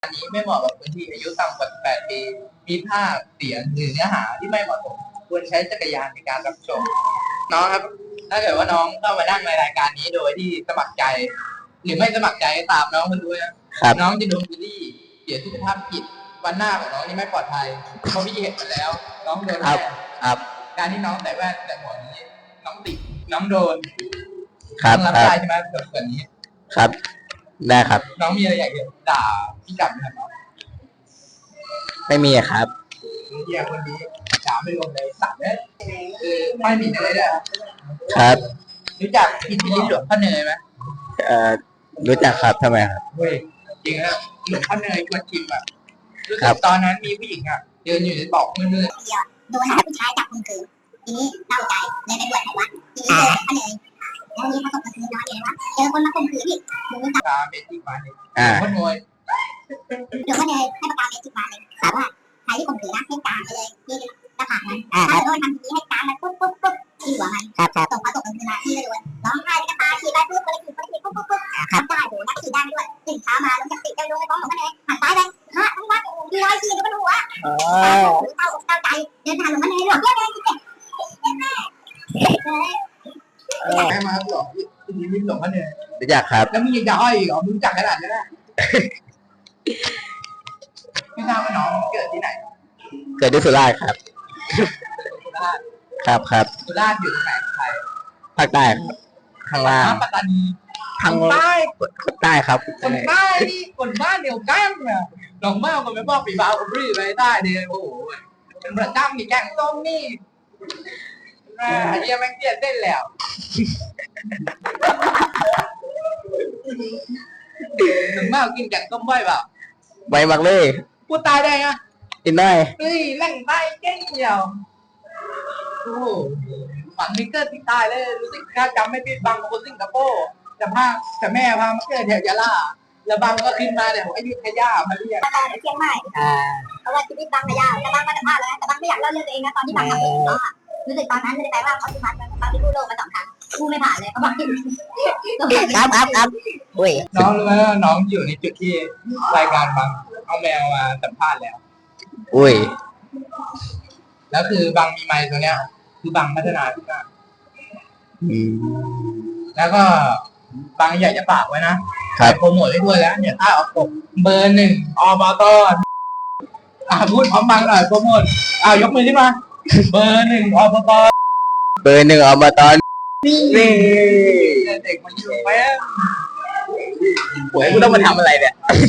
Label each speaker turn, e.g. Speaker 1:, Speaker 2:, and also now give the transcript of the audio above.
Speaker 1: อันนี้ไม่เหมาะกับคนที่อายุต่ำกว่า18ปีมีภาพเสียงหรือเนื้อหาที่ไม่เหมาะสมควรใช้จักรยานในการรับชมน้องครับถ้าเกิดว่าน้องเข้ามานั่งในรายการนี้โดยที่สมัครใจหรือไม่สมัครใจตามน้องมันด้วยนะครับน้องจะโดนบูลลี่เสียสุขภาพจิตวันหน้าของน้องนี่ไม่ปลอดภัยเพราะพี่เห็นมาแล้ว น้องโดนแน่การที่น้องใส่แว่นแต่หัวนี้น้องติดน้องโดน
Speaker 2: ครับ
Speaker 1: น้องรับได้ใช่ไหมส่วนนี้
Speaker 2: ครับได้ครับ
Speaker 1: น้องมีอะไรอยากจะด่าพี่กลับไหมครับน้อง
Speaker 2: ไม่มีครับ
Speaker 1: เฮียคนนี้ด่าไม่ลงเลยสั่งเนี่ยคือไม่ผิดอะไรเลย
Speaker 2: ครับ
Speaker 1: รู้จักอิทธิฤทธิ์หลวงพ่อเนยไหม
Speaker 2: รู้จักครับทำไมครับ
Speaker 1: เฮ้ยจริงนะหลวงพ่อเนยชวนชิมแบบรู้สึกตอนนั้นมีผู้หญิงอ่ะเดินอยู่ในบอกมืด
Speaker 3: โดนหาผู้ชายจับมือถือทีนี้เล่าใจเลยไปบวชให้วัดทีนี้เจอพ่อเนยแล้วนี้พอตกกลางคืนนอนอยู่ในวัดเจอคนมาข่มขืนอีกมึงไม่
Speaker 1: ตาเมจิกมาเลยหลวงพ่อเนย
Speaker 3: หลวงพ่อเนยให้ประกาศเมจิกมาเลยถามว่าใครที่ข่มขืนนะให้การไปเลยที่หน้าผากมันถ้าโดนทำทีนี้ให้การมันปุ๊บที่หัวมันตกพอตกกลางคืนมาที่เลยวันร้องไห้กระตาฉีดไปปุ๊บปุ๊บทำได้โหนักฉีดได้ด้วยตื่นเช้ามาลงจากติดใจลงไปฟ้องหลวงพ่อเนยหันซ้ายไปฮะทั้งวัดมีรอยฉีดอยู่บนหัวเต้าอกเต้าใจเดินทางหลวงพ่อเนยหลวงพ่อเนย
Speaker 1: แม่มาหลอกอิทธิฤทธิ์หลวงพ่อเนย
Speaker 2: รู้จักครับ
Speaker 1: แล้วมึงยังจะอ้อยเหรอมึงรู้จักขนาดนี้นะไม่ทราบว่าน้องเกิดที่ไหน
Speaker 2: เกิดที่สุราษฎร์ครับครับ
Speaker 1: สุราษฎร์อยู่ที่ไหนไทย
Speaker 2: ภาคใต้ครับข้างล่าง
Speaker 1: ปัตตานี
Speaker 2: ทางใต้คนใต้ครับ
Speaker 1: คนใต้นี่คนบ้านเดียวกันนะหลงมากก็ไม่บอกปีบ่าวกับพี่ไปใต้เดียวโอ้โหเป็นประจำมีแกงส้มนี่เยี่ยมแม่งเตี้ยเต้นแล้วหลงมากกินแกงส้มบ่อยเปล่า
Speaker 2: ไวมากเลย
Speaker 1: พูดตายได้ไง
Speaker 2: กินได้
Speaker 1: เฮ้ยแหล่งใต้เก่งเดียวโอ้ฝังมิเกอร์ที่ตายเลยรู้สึกถ้าจำไม่ผิดบางคนสิงคโปร์แต่แม่พามาเกิดแถวยะลาแล้วบางก็ขึ้นมาเนี่ยผมอยุธยามาเรียน
Speaker 3: ตอนเชียงใหม่เพราะว่าชีวิตบางระยะแต่บางมาสัมภาษณ์แล้วแต่บางไม่อยากเล่าเรื่องตัวเองนะตอนที่บางทำเองก็รู้สึกตอนนั้นไม่ได้แปลว่าเขาที่มาบางที่กู้โลกมา2 ครั้งกู้ไม่ผ่านเลยเขาบอกครับ
Speaker 2: อุ้ย
Speaker 1: น้องรู้ไหมว่าน้องอยู่ในจุดที่รายการบางเอาแมวมาสัมภาษณ์แล้ว
Speaker 2: อุ้ย
Speaker 1: แล้วคือบางมีไมค์ตัวเนี้ยคือบางพัฒนาขึ้นมาแล้วก็บางอยากจะฝากไว้นะโปรโมทให้ด้วยแล้วเนี่ยถ้าออกปกเบอร์ 1อบตพูดพร้อมบางหน่อยโปรโมทยกมือขึ้นมาเบอร์ 1อบต
Speaker 2: เบอร์ 1อบต
Speaker 1: นี่เด็กมันอยู่ไหม
Speaker 2: โอ้ยกูต้องมาทำอะไรเนี่ย